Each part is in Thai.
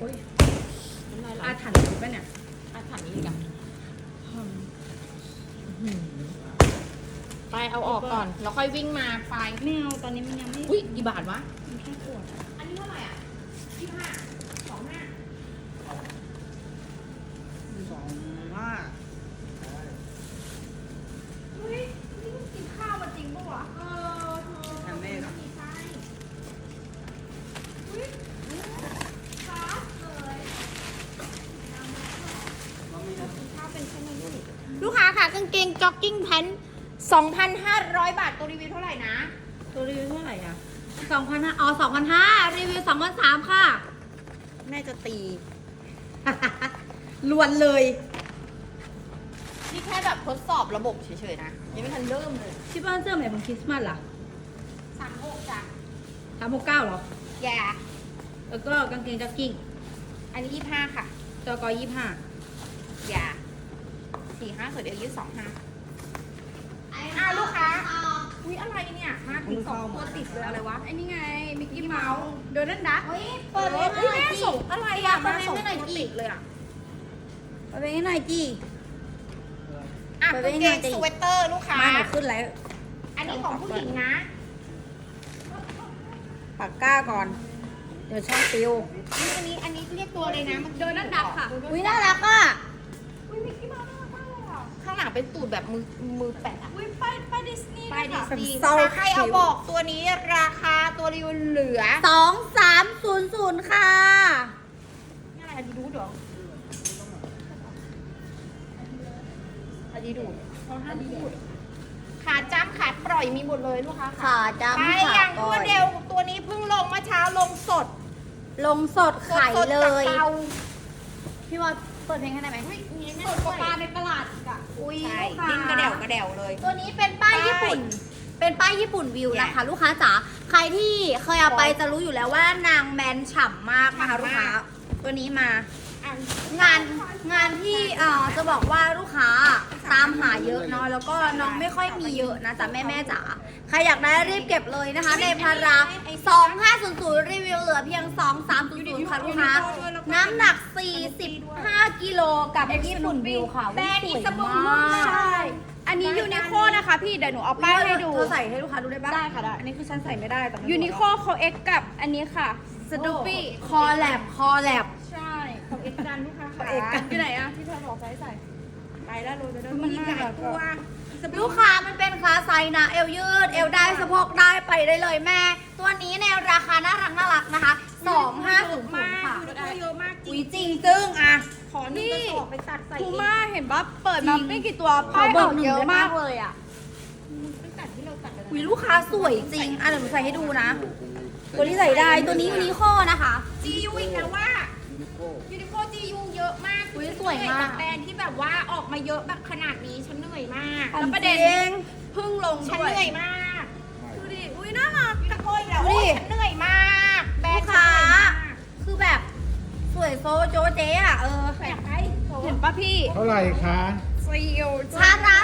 อ้ยน้ำลายไหลอาถรรพ์หรือเปล่าเนี่ยอาถรรพ์นี้อีกอะไปเอาออกก่อนแล้วค่อยวิ่งมาไปไม่เอาตอนนี้มันยังไม่อุ้ยกี่บาทวะมันแค่ขวดอะอันนี้เท่าไหร่อ่ะ25 25 2 ว่าเฮ้ยนี่มึงกินข้าวมาจริงปะวะเธอทำแม่เหรอมีไส้อุ้ยฟาสเลยข้าวเป็นแค่นี้ลูกค้าค่ะกางเกงจ็อกกิ้งแพนท์2,500 บาทตัวรีวิวเท่าไหร่นะตัวรีวิวเท่าไหร่อ่ะ2,500อ๋อ2,500รีวิว2,300ค่ะแม่จะตีลวนเลยนี่แค่แบบทดสอบระบบเฉยๆนะยังไม่ทันเริ่มเลยที่บ้านเสื้อใหม่ของคริสต์มาสล่ะ 36จ้ะ 369เหรอแย่แล้วก็กางเกงจ็อกกิ้งอันนี้25ค่ะจก25 อย่า45ส่วนเดียว25ลูกค้าอุ้ยอะไรเนี่ย มาถึง2ตัวติดเลยอะไรวะไอ้นี่ไงมิกกี้เมาส์โดนัลด์ดักเฮ้ยเปิดเลยแม่ส่งอะไรอ่ะมาส่งตัวติดเลยอ่ะไปเป็นให้หน่อยจีอ่ะกางเกงสเวตเตอร์ลูกค้ามาหนูขึ้นแล้วอันนี้ของผู้หญิงนะปากก้าก่อน เดี๋ยวช่องปิวอันนี้เรียกตัวเลยนะมันโดนัลด์ดักค่ะ อุ้ยน่ารักอ่ะอุ้ยมิกกี้เมาส์น่ารักมากเลยอ่ะข้างหลังเป็นตูดแบบมือแปะอ่ะอุ้ยป้ายดิสนีย์ไปดิสนีย์เศร้าใครเอาบอกตัวนี้ราคาตัวรีวิวเหลือ 2300ค่ะนี่อะไรอันนี้ดูดเหรออันนี้ดูดเขาห้ามพูดขาจ้ำขาปล่อยมีหมดเลยลูกค้าขาจำไปขาอย่างก่รอวดนเร็วตัวนี้เพิ่งลงเมื่อเช้าลงสดลงสดไข่สดๆเลจากยเตาพี่ว่าเปิดเพลงให้ได้ไหมอุ้ยมีสดกว่าปลาในตลาดอีกอ่ะ อุ้ยใช่ลูกค้าดิ้นกระเดี่ยวกระเดี่ยวเลยตัวนี้เป็นป้ายญี่ปุ่น เป็นป้ายญี่ปุ่นวิวนะคะ ลูกค้าจ๋า ใครที่เคยเอาไปจะรู้อยู่แล้วว่านางแมนฉ่ำมากนะคะลูกค้า ตัวนี้มาอ่ะงานที่จะบอกว่าลูกค้าตามหาเยอะเนาะแล้วก็น้องไม่ค่อยมีเยอะนะจ๊ะแม่จ๋าใครอยากได้รีบเก็บเลยนะคะ ในพารา2500รีวิวเหลือเพียง2300ค่ะลูกค้าน้ำหนัก45กิโลกับญี่ปุ่นวิวค่ะแบรนด์สอีวยสบู่มากใช่อันนี้ยูนิโคนะคะพี่เดี๋ยวหนูเอาป้ายให้ดูเธอใส่ให้ลูกค้าดูได้ปะได้ค่ะได้อันนี้คือฉันใส่ไม่ได้แต่ยูนิโคเขาเอ็กกับอันนี้ค่ะสตูปี้คอแลบใช่ของเอ็กกันลูกค้าค่ะเอ็กกันอยู่ไหนอะที่เธอบอกใส่ไปแล้วรู้แล้วมันมีหลายตัวลูกค้ามันเป็นคลาสไซส์นะเอวยืดเอวได้สะโพกได้ไปได้เลยแม่ ตัวนี้ในราคาน่ารักนะคะ2500ค่ะยูนิโคเยอะมากจริอุ้งยจริงจึ้งอ่ะขอหนึ่งกระสอบไปตัดใส่ทูเองมาเห็นปะเปิดมาจริงไม่กี่ตัวป้ายขอเบอออร์กหนึ่งเยอะได้ปะมากเลยอ่ะไปตัดที่เราตัดกันอุ้ยลูกค้าสวยจริงอ่ะเดี๋ยวหนูใส่ให้ดูนะ ตัวนี้ใส่ได้ตัวนี้ยูนิโคนะคะจียูอีกแล้วว่ายูนิโคจียูเยอะมากอุ๊ยสวยมากกับแบรนด์ที่แบบว่าออกมาเยอะแบบขนาดนี้ฉันเหนื่อยมากแล้วประเด็นจริงเพิ่งลงฉันด้วยเหนื่อยมากดูดิอุ้ยน่ารักยูนิโคอีกแล้วดูดิโอ้ยฉันเหนื่อยมากแบรนด์ลูกค้าฉันเหนื่อยมากคือแบบสวยโซโจเจ๊อ่ะอยากไปเห็นปะพี่เท่าไหร่คะซีลชาร์จ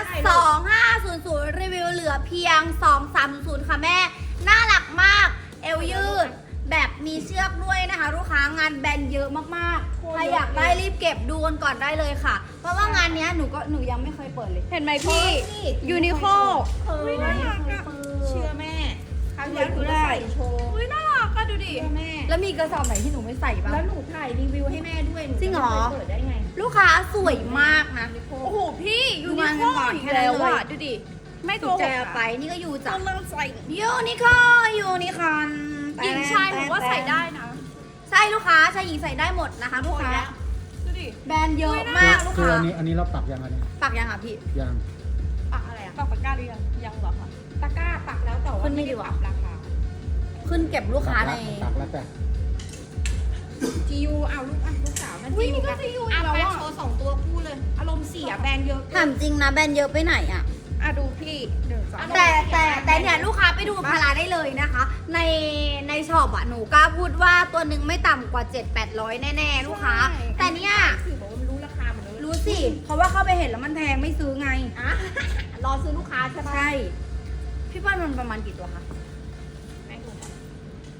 2500รีวิวเหลือเพียง2300ค่ะแม่ น่ารักมาก เอวยืด แบบมีเชือกด้วยนะคะ ลูกค้างานแบรนด์เยอะมากๆ ใครอยากได้รีบเก็บดูกันก่อนได้เลยค่ะ เพราะว่างานเนี้ยหนูยังไม่เคยเปิดเลยเห็นไหมพี่ยูนิโคอุ้ยน่ารักอะเชื่อแม่ครั้งแล้วหนูจะใส่โชว์อุ้ยน่ารักอะดูดิเชื่อแม่แล้วมีกระสอบไหนที่หนูไม่ใส่บ้างแล้วหนูถ่ายรีวิวให้แม่ด้วยหนูจริงเหรอจะไม่คยเปิดได้ไงลูกค้าสวยมากนะโอ้โหพี่ยูดูนิงานโคกันก่อนอีกแค่แล้วนั้นเลยอะดูดิไม่โกถูกหใจกเอาอะไปนี่ก็ยูจ้ะกำลังใส่ยูนิคอร์นหญิงชายหนูว่าใส่ได้นะใช่ลูกค้าชายหญิงใส่ได้หมดนะคะลูกค้าดูดิแบรนด์เยอะมากลูกคือค้าอันนี้เราปักยังไงเนี่ยปักยังอ่ะพี่ยังปักอะไรอะปักปากกาหรือยังยังเหรอคะตะกร้าปักแล้วแต่ว่าขึ้นไม่ดีวะราคาขึ้นเก็บลูกค้าในปักแล้วแต่จียูเอาลูกสาวมันอุ้ยนี่ก็จะอยู่อีเอากแล้วไปอะโชว์2ตัวคู่เลย อารมณ์เสียแบรนด์เยอะถามจริงนะแบรนด์เยอะไปไหนอ่ะอ่ะดูพี่หนึ่งสองแต่เนี่ยลูกค้าไปดูพาราได้เลยนะคะ ในช็อปอ่ะหนูกล้าพูดว่าตัวหนึ่งไม่ต่ำกว่า 7-800 แน่ๆ ลูกค้า แต่เนี่ยสื่อบอกว่ามันรู้ราคาหมดเลยรู้สิ เพราะว่าเข้าไปเห็นแล้วมันแพงไม่ซื้อไงอ่ะรอซื้อลูกค้าใช่ปะใช่ พี่ป้านมันประมาณกี่ตัวคะแม่งดูก่อน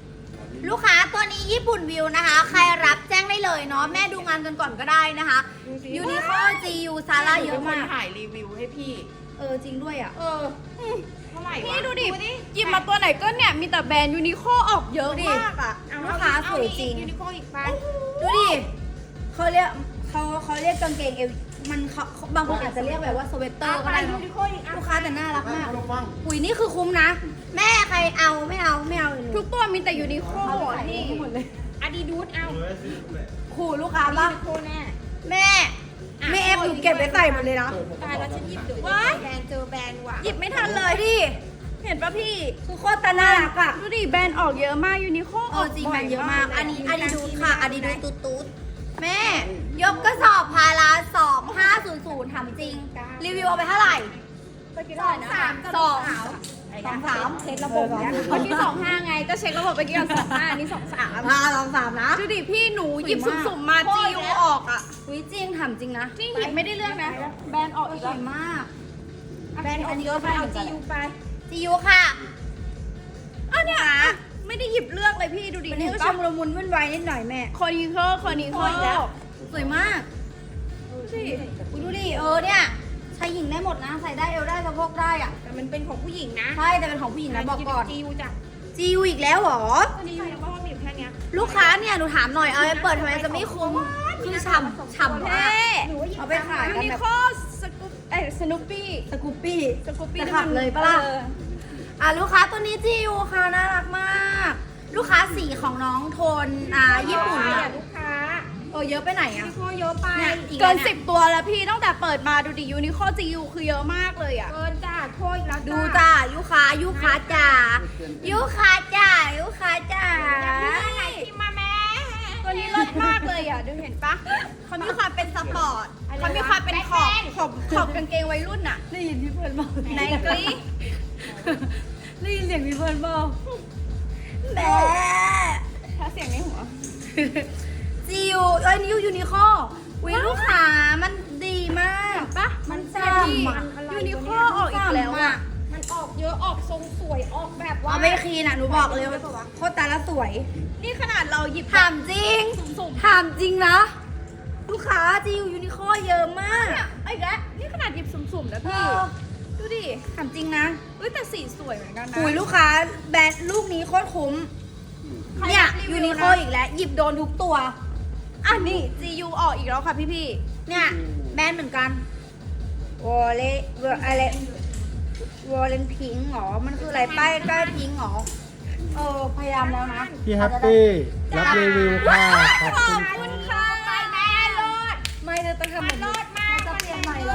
ลูกค้าตัวนี้ญี่ปุ่นวิวนะคะ ใครรับแจ้งได้เลยเนาะแม่ดูงานกันก่อนก็ได้นะคะดูสิยูนิคอร์จียูซาร่าเยอะมากถ่ายรีวิวให้พี่จริงด้วยอ่ะเท่าไหร่วะพี่ดูดิหยิบมาตัวไหนก็เนี่ยมีแต่แบรนด์ยูนิโคออกเยอะมากอ่ะลูกค้าสวยจริงยูนิโคอีกไปดูดิเขาเรียกกางเกงเอวมันเขาบางคนอาจจะเรียกแบบว่าสเวตเตอร์ก็ได้ยูเนาะนิโคอีกลูกค้าแต่น่ารักมากอุ้ยนี่คือคุ้มนะ แม่ใครเอาไม่เอาเลยทุกตัวมีแต่ยูนิโคนี่หมดเลยอาดิดูสเอาขู่ลูกค้ายูป่ะนิโคแน่แม่ไม่เอฟหนูเก็บไปใส่หมดเลยนะตายแล้วฉันหยิบดูว้ายแบรนด์เจอแบรนด์ว่ะหยิบไม่ทันเลยดิเห็นปะพี่คือโคตรตาน่ารักอ่ะดูดิแบรนด์ออกเยอะมากยูนิโคออกจริงบ่มันเยอะมาก อันนี้ลดูค่ะอันนี้ดูตูดแม่ ยกกระสอบพารา2500ถามจริง รีวิวเอาไปเท่าไหร่เมื่อกี้เท่าไหร่นะสองสามเช็คระบบเนี่ยเมื่อกี้25ไงก็เช็คระบบเมื่อกี้ก่อน25อันนี้23 23นะดูดิพี่หนูหยิบสวยมากสุ่มๆมาจียูออกอ่ะอุ้ยจริงถามจริงนะนี่หยิบไม่ได้เรื่องนะแบรนด์ออกอีกสแล้ววยมากแบรนด์ออกเยอะไปเอาจียูไปจียูค่ะอันเนี้ยไม่ได้หยิบเลือกเลยพี่ดูดิวันนี่นี้ก็ก็ชชมมละมุนวุ่นวายนิดหน่อยแม่คอนิโคอีกแล้วสวยมากดูสิอุ้ยดูดิเนี่ยชายหญิงได้หมดนะ ใส่ได้เอวได้สะโพกได้อ่ะแต่มันเป็นของผู้หญิงนะใช่แต่เป็นของผู้หญิงนะบอกก่อนจียูจ้ะจียูอีกแล้วเหรอจียูเพราะว่ามีอยู่แค่เนี้ยลูกค้าเนี่ยหนูถามหน่อยเอาไปเปิดทำไมจะไม่คุ้มคือฉ่ำเท่มากหนูว่าหยิบเอาไปขายยูกันนิแบบโคสนุปปี้สกูปปี้สกูปปี้จะขับเลยปะล่ะ ลูกค้าตัวนี้จียูค่ะน่ารักมาก ลูกค้าสีของน้องโทนญี่ปุ่นอ่ะอะลูกค้าเยอะไปไหนยูอะนิโคเยอะไปเนี่ยอีเกินแล้วย 10 ตัวแล้วพี่ตั้งแต่เปิดมาดูดิยูนิโคจียูคือเยอะมากเลยอ่ะเกินจ้าโคอีกแล้วดูจ้ายูค้าจ๋ายูค้าจ๋ายูค้าจ๋าไหนพิมพ์มาแม่ตัวนี้เลิศมากเลยอ่ะดูเห็นปะเขามีความเป็นสปอร์ตเขามีความเป็นขอบกางเกงวัยรุ่นอ่ะได้ยินพี่เพื่อนบอกในกรี๊ดได้ยินเสียงพี่เพื่อนบอกแม่ถ้าเสียงในหัวจียูนิวยูนิคอวิลูกค้ามันดีมากปะมันแซ่ฉ่บพี่ำอะยูนิโคออกอีกแล้วอ่ะมันออกเยอะออกทรงสวยออกแบบว่าเอาไปคีนอ่ะหนูบอกเลยว่าโคตรตาละสวยนี่ขนาดเราหยิบถามจริงสุ่มถามจริงนะ ลูกค้าจียูนิคอเยอะมากเนี่ยไอ้แกนี่ขนาดหยิบสุ่มๆนะพี่ ดูดิถามจริงนะเอ้ยแต่สีสวยเหมือนกันนะหุยลูกค้าแบรนด์ลูกนี้โคตรคุ้ม เนี่ยยูนิโคอีกแล้ว หยิบโดนทุกตัวอ่ะนี่ GU ออกอีกแล้วค่ะพี่เนี่ยแบรนด์เหมือนกันวอลเลอะไรวอลเลนพิงหรอ มันคืออะไรป้ายพิงหรอ พยายามแล้วนะพี่แฮปปี้รับรีวิวค่ะขอบคุณๆคุณค่ะไปแม่รถไม่จะต้องทำแบบรนี้ถมากจะเปลี่ยนใหม่แล้ว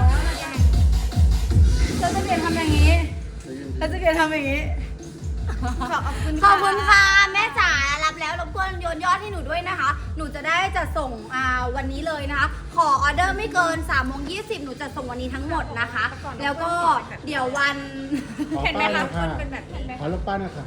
จะเปลี่ยนทำอย่างนี้จะเปลี่ยนทำอย่างนี้ ขอบคุณค่ะ แม่จ๋ารับแล้วรบกวนโยนยอดให้หนูด้วยนะคะ หนูจะได้จัดส่งวันนี้เลยนะคะ ขอออเดอร์ไม่เกิน3:20หนูจะส่งวันนี้ทั้งหมดนะคะ แล้วก็เดี๋ยววันขอเห็นไหมป้ายคะหนะค่ะเป็นแบบเห็นไหมขอรูปป้ายหนะคะ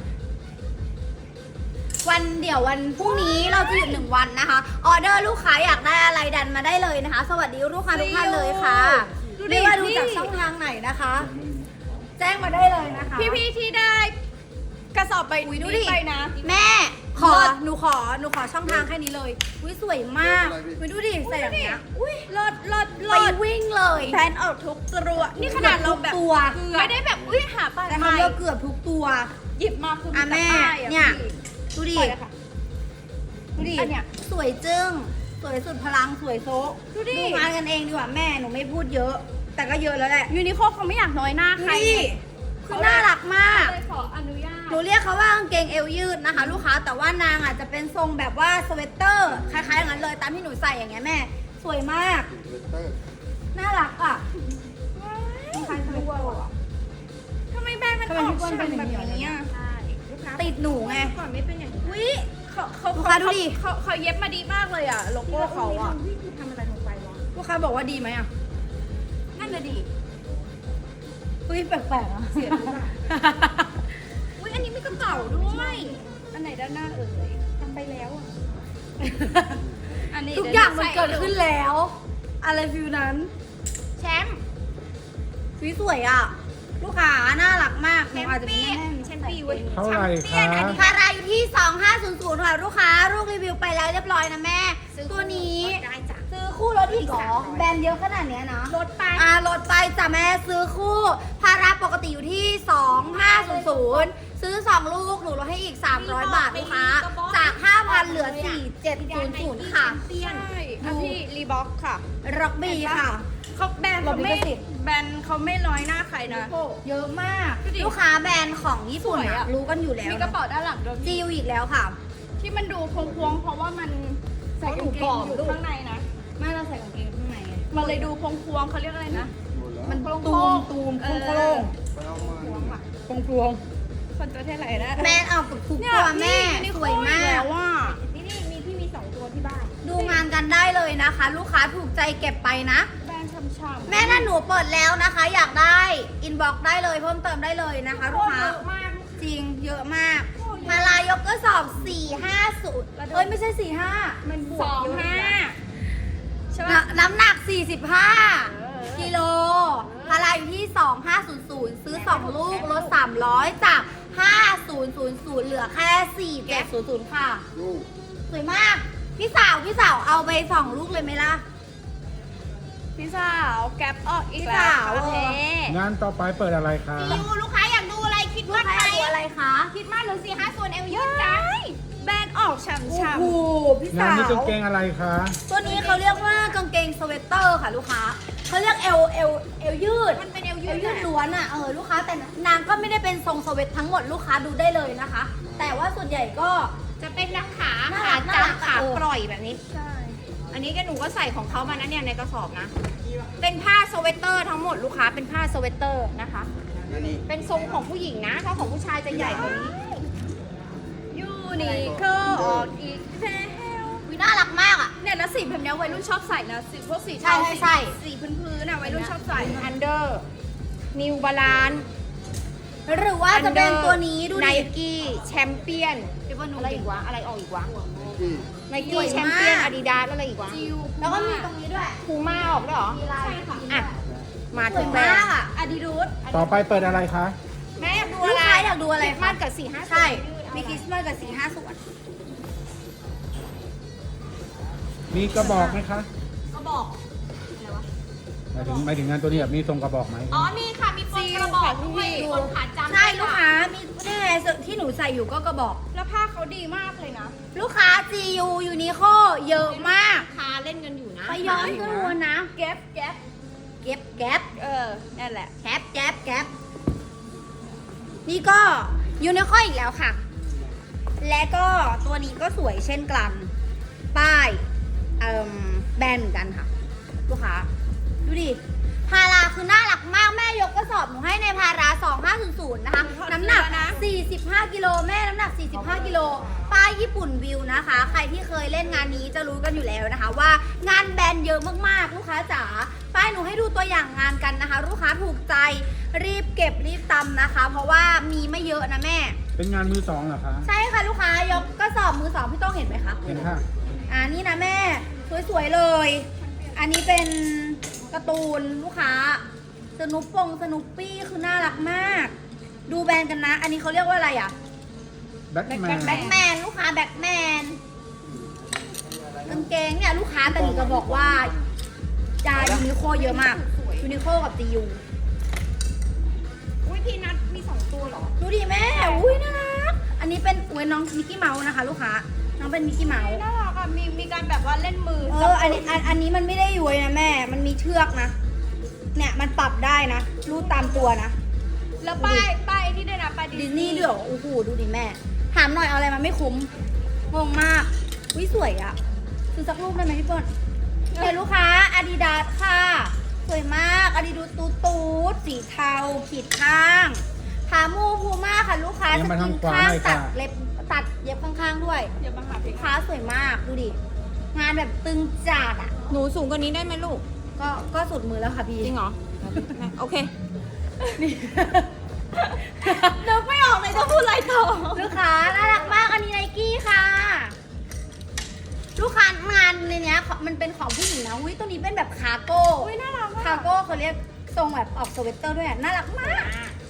เดี๋ยววันพรุ่งนี้เราจะหยุด1 วันนะคะ ออเดอร์ลูกค้าอยากได้อะไรดันมาได้เลยนะคะ สวัสดีลูกค้าทุกท่านเลยค่ะดูดิไม่ว่าดูจากช่องทางไหนนะคะ แจ้งมาได้เลยนะคะพี่ๆที่ได้กระสอบใบอุ๊ยดูนี้ดิไปนะแม่หนูขอช่องทางแค่นี้เลยอุ้ยสวยมากอุ้ยดูดิใส่อย่างเงี้ยอุ้ยเลิศไปวิ่งเลยแบรนด์ออกทุกตัวนี่ขนาดเราแบบตัวไม่ได้แบบอุ้ยหาป้ายแต่ไม่เขาเลือกเกือบทุกตัวหยิบมาคือมีอ่ะแต่แม่ป้ายอ่ะเนี่ยพี่ดูดิปล่อยเลยค่ะดูดิอันเนี้ยสวยจึ้งสวยสุดพลังสวยโซะดูดิงานกันเองดีกว่าแม่หนูไม่พูดเยอะ แต่ก็เยอะแล้วแหละยูนิโคเขาไม่อยากน้อยหน้าใครนี่คือน่ารักมากเลยขออนุญาตหนูเรียกเขาว่ากางเกงเอวยืดนะคะ ลูกค้าแต่ว่านางอาจจะเป็นทรงแบบว่าสเวตเตอร์คล้ายๆอย่างนั้นเลยตามที่หนูใส่อย่างเงี้ยแม่ สวยมาก น่ารักอ่ะคล้ายๆสเวตเตอร์อะทำไมแบรนด์มันทำไมออกพี่เปิ้ลเป็นฉ่ำอแบย่างบนี้นี้อะอ่ะใช่ลูกค้าติดหนูไงก่อนไม่เป็นอย่างนี้อุ้ยเขาลูกค้าดูดิเขาเย็บมาดีมากเลยอ่ะโลโก้เขาอ่ะวิ่งคือทำอะไรลงไปวะลูกค้าบอกว่าดีไหมอ่ะนั่นน่ะดิเฮ้ยแปลกๆอ่ะเสียรู้ป่ะอุ้ยอันนี้มีกระเป๋าด้วยอันไหนด้านหน้าเอ่ยทำไปแล้วอ่ะอันนี้ทุกอย่างมันเกิดขึ้นแล้ว อะไรฟิวนั้นแชมป์สวยอ่ะลูกค้าน่ารักมากหแชนูมอาจจะเป็นเปี้ยนแม่แชมเปี้ยนเว้ยเท่าไหร่คะพาราอยู่ที่ 2500ค่ะลูกค้าลูกรีวิวไปแล้วเรียบร้อยนะแม่ ตัวนี้ได้จ้ะซื้อคู่รถอีกเหรอแบรนด์เยอะขนาดเนี้ยนะลดไปลดไปจ้ะแม่ซื้อคู่พาราปกติอยู่ที่ 2500 ซื้อ 2 ลูกหนูลดให้อีก 300 บาทลูกค้าจาก 5,000 เหลือ 4700 ค่ะเปี้ยนใช่อ่ะพี่รีบ็อกค่ะร็อกบี้ค่ะเขาแบรนด์เขาไม่ลดลิขสิทธิ์แบรนด์เขาไม่น้อยหน้าใครนะเยอะมากดูดิลูกค้าแบรนด์ของญี่ปุ่นสวยอะอะรู้กันอยู่แล้วมีกระเป๋าด้านหลังด้วยจิวอีกแล้วค่ะที่มันดูพวงๆเพราะว่ามันใส่กางเกงอยู่ข้างในนะไม่เราใส่กางเกงข้างในไงมันเลยดูพวงๆเขาเรียกอะไรนะมันโครงๆตูมเออโครงพวงๆคนประเทศอะไรนะแมนออกกับทุกเนี่ยตัวแม่พี่สวยมากแล้วว่านี่มีพี่มี2ตัวที่บ้านดูงานกันได้เลยนะคะ ลูกค้าถูกใจเก็บไปนะแบรนด์ช่ำๆแม่ถ้าหนูเปิดแล้วนะคะ อยากได้อินบ็อกได้เลยเพิ่มเติมได้เลยนะคะลูกค้าเยอะมากจริงเยอะมากมาลายกก็สอบ 450เอ้ยไม่ใช่ 45 มันบวสกองเยอะห้านะใช่น้ปะน้ำหนัก 45 กิโลพาราอยู่ที่ 2500 ซื้อ 2 ลูกลด 300 จาก 5000 เหลือแค่ 4700 ค่ะ สวยมาก พี่สาวเอาไป 2 ลูกเลยไหมล่ะพี่สาวแก๊ปออกอีกพี่แล้วสาวค่ะเทงานต่อไปเปิดอะไรคะดูลูกค้าอยากดูอะไรคิดลูว่ากค้าใครเอาอะไรคะคิดมากหรือ4-5ส่วนเอวยืดจ้าแบรนด์ออกฉ่โอ้ำโหพี่งาสานนี้กางวเกงอะไรคะตัวนี้เขาเรียกว่ากางเกงสเวตเตอร์ค่ะลูกค้าเขาเรียกเอวยืดมันเป็นเอวเอยืวดยืดล้วนอ่ะลูกค้าแต่นางก็ไม่ได้เป็นทรงสเวตทั้งหมดลูกค้าดูได้เลยนะคะ แต่ว่าส่วนใหญ่ก็จะเป็นนักขาน่าขารักน่ารักจำขาเออปล่อยแบบนี้ๆใช่อันนี้ก็หนูก็ใส่ของเขามานะเนี่ยในกระสอบนะ เป็นผ้าสเวตเตอร์ทั้งหมดลูกค้าเป็นผ้าสเวตเตอร์นะคะ เป็นทรงของผู้หญิงนะ ถ้าของผู้ชายจะใหญ่กว่านี้ยูนิโคออกอีกแล้ววิน่ารักมากอ่ะเนี่ยแล้วสีแบบเนี้ยวัยรุ่นชอบใส่นะสีพวกสีใช่เทาใช่สีพื้นๆน่ะวัยรุ่นชอบใส่อันเดอร์นิวบาลานหรือว่าจะเป็นตัวนี้ดูไนดิกี้แชมเปี้ยนพี่บอลดูอะไรดิอีกวะ อะไรออกอีกวะไนสกี้วยมากแชมเปี้ยนอาดิดาสอะไรอีกวะจิวแล้วก็มีตรงนี้ด้วยพูม่าออกด้วยเหรอมีลายอ่ะ มาสถึวยงแบรมาน กด์อ่ะอาดิดาสต่อไปเปิดอะไรคะแม่อยากดูลูอะกไรค้าอยากดูอะไรคริสต์มาคะสกับ4-5 ใช่มีคริสต์มาสกับ4-5 ส่วนมีกระบอกไหมคะก็บอกหมายถึงงานตัวนี้แบบมีทรงกระบอกไหมอ๋อ มีค่ะ มีปนกระบอกด้วยคนขาจำใช่ลูกค้ามีนี่ไงที่หนูใส่อยู่ก็กระบอกแล้วผ้าเขาดีมากเลยนะลูกค้า GU ยูนิโคเยอะมากคาเล่นกันอยู่นะไปย้อนก็รู้นะแก๊ปแก๊ปเก็บแก๊ปนั่นแหละแก๊ปแก๊ปแก๊ปนี่ก็ยูนิโคอีกแล้วค่ะ และก็ตัวนี้ก็สวยเช่นกัน ป้ายแบรนด์เหมือนกันค่ะ ลูกค้า ดูดิ พาราคือน่ารักมาก แม่ยกกระสอบหนูให้ในพารา 2500 นะคะ น้ำหนัก 45 กิโลแม่น้ำหนัก 45 กิโล ป้ายญี่ปุ่นวิวนะคะ ใครที่เคยเล่นงานนี้จะรู้กันอยู่แล้วนะคะ ว่างานแบรนด์เยอะมากๆ ลูกค้าจ๋า ป้ายหนูให้ดูตัวอย่างงานกันนะคะ ลูกค้าถูกใจรีบเก็บรีบตำนะคะ เพราะว่ามีไม่เยอะนะแม่เป็นงานมือสองเหรอคะใช่ค่ะลูกค้ายกกระสอบมือสองพี่ต้องเห็นไหมคะเห็นค่ะนี่นะแม่ สวยๆเลย อันนี้เป็นการ์ตูนลูกค้าสนุปปี้คือน่ารักมาก ดูแบรนด์กันนะ อันนี้เขาเรียกว่าอะไรอ่ะแบ็คแมนแบ็คแมนลูกค้าแบ็คแมนกางเกงเนี่ยลูกค้าแต่หนูจะบอกว่าจายูนิโคเยอะมากยูนิโคกับจียูอุ้ยพี่นัทมี2ตัวเหรอดูดิแม่อุ้ยน่ารักอันนี้เป็นน้องมิกกี้เมาส์นะคะ ลูกค้าน้องเป็นมิกกี้เมาส์น่ารักอ่ะ มีการแบบว่าเล่นมืออันนี้มันไม่ได้ย้วยนะแม่ มันมีเชือกนะ เนี่ยมันปรับได้นะ รูดตามตัวนะแล้วป้ายนี่ด้วยนะป้ายดิสนีย์ด้วยเหรอโอ้โห ดูดิแม่ ถามหน่อยเอาอะไรมาไม่คุ้ม งงมากวิสวยอะซื้อสักรูปได้ไหมพี่เปิ้ลเนี่ยลูกค้าอาดิดาสค่ะ สวยมากอาดิดูตูดสีเทาขีดข้างพามูพูม่าค่ะลูกค้าเอียงสมากิทางนขวาข้างหน่อยตัค่ะดเล็บตัดเย็บข้างๆด้วยอย่ามาหาเพลลูงกค้าสวยมากดูดิ งานแบบตึงจัดอะหนูสูงกว่านี้ได้ไหมลูกก็สุดมือแล้วค่ะพี่จริงเหรอ โอเคนึกไม่ออกเลยจะพูดอะไรต่อ ลูกค้าน่ารักมากอันนี้ไนกี้ค่ะ ลูกค้างานในเนี้ยมันเป็นของผู้หญิงนะอุ้ยตัวนี้เป็นแบบคาร์โก้อุ้ยน่ารักคาร์โก้เขาเรียกทรงแบบออกสเวตเตอร์ด้วยอะน่ารักมาก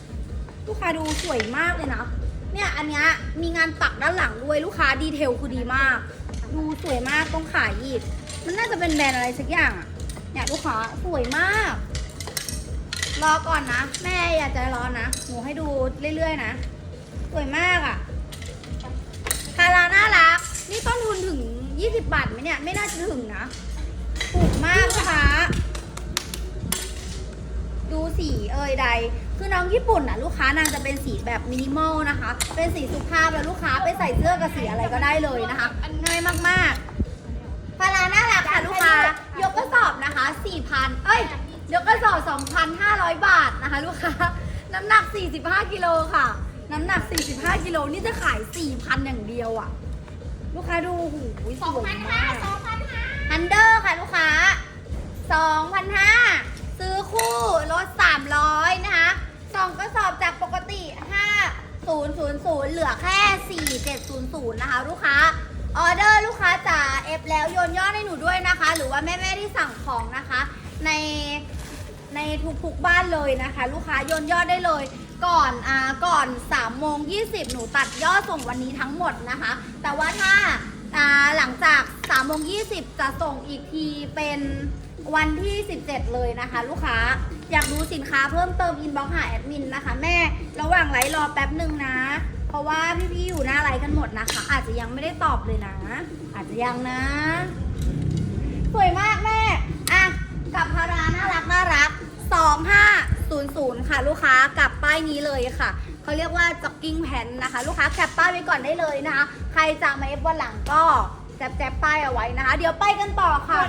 ลูกค้าดูสวยมากเลยนะเนี่ยอันเนี้ยมีงานปักด้านหลังด้วยลูกค้าดีเทลคือดีมาก ดูสวยมากต้องขายอีกมันน่าจะเป็นแบรนด์อะไรสักอย่างอะเนี่ยลูกค้าสวยมาก รอก่อนนะแม่อย่าใจร้อนนะหนูให้ดูเรื่อยๆนะสวยมากอะคาราน่ารักนี่ต้นทุนถึง20 บาทไหมเนี่ยไม่น่าจะถึงนะถูกมากนะคะดูสีใดคือน้องญี่ปุ่นอ่ะลูกค้านางจะเป็นสีแบบมินิมอลนะคะเป็นสีสุภาพแล้วลูกค้าไปใส่เสื้อกับสีอะไรก็ได้เลยนะคะง่ายมากๆพาราน่ารักค่ะลูกค้ายกกระสอบนะคะ 4,000ยกกระสอบ 2,500 บาทนะคะลูกค้าน้ำหนัก45 กิโลค่ะน้ำหนัก45 กิโลนี่จะขาย 4,000 อย่างเดียวอ่ะลูกค้าดูหูยสวยมากฮันเดอร์ค่ะลูกค้า 2,500 ซื้อคู่ลด300นะคะ2กระสอบจากปกติ 5,000 เหลือแค่ 4,700 นะคะลูกค้าออเดอร์ลูกค้าจ๋าเอฟแล้วโยนยอดให้หนูด้วยนะคะ หรือว่าแม่ๆที่สั่งของนะคะในทุกๆบ้านเลยนะคะ ลูกค้าโยนยอดได้เลยก่อน3:20 หนูตัดยอดส่งวันนี้ทั้งหมดนะคะ แต่ว่าถ้าหลังจาก3:20 จะส่งอีกทีเป็นวันที่ 17 เลยนะคะ ลูกค้าอยากดูสินค้าเพิ่มเติมอินบ็อกซ์หาแอดมินนะคะแม่ระหว่างไลฟ์รอแป๊บหนึ่งนะ เพราะว่าพี่ๆอยู่หน้าไลฟ์กันหมดนะคะ อาจจะยังไม่ได้ตอบเลยนะ อาจจะยังนะ สวยมากแม่อ่ะกับพาราน่ารัก 2500 ค่ะลูกค้ากับป้ายนี้เลยค่ะเขาเรียกว่าจ็อกกิ้งแพนนะคะลูกค้าแคปป้ายไว้ก่อนได้เลยนะคะใครจะมาเอฟวันหลังก็แจบป้ายเอาไว้นะคะเดี๋ยวไปกันต่อค่ะ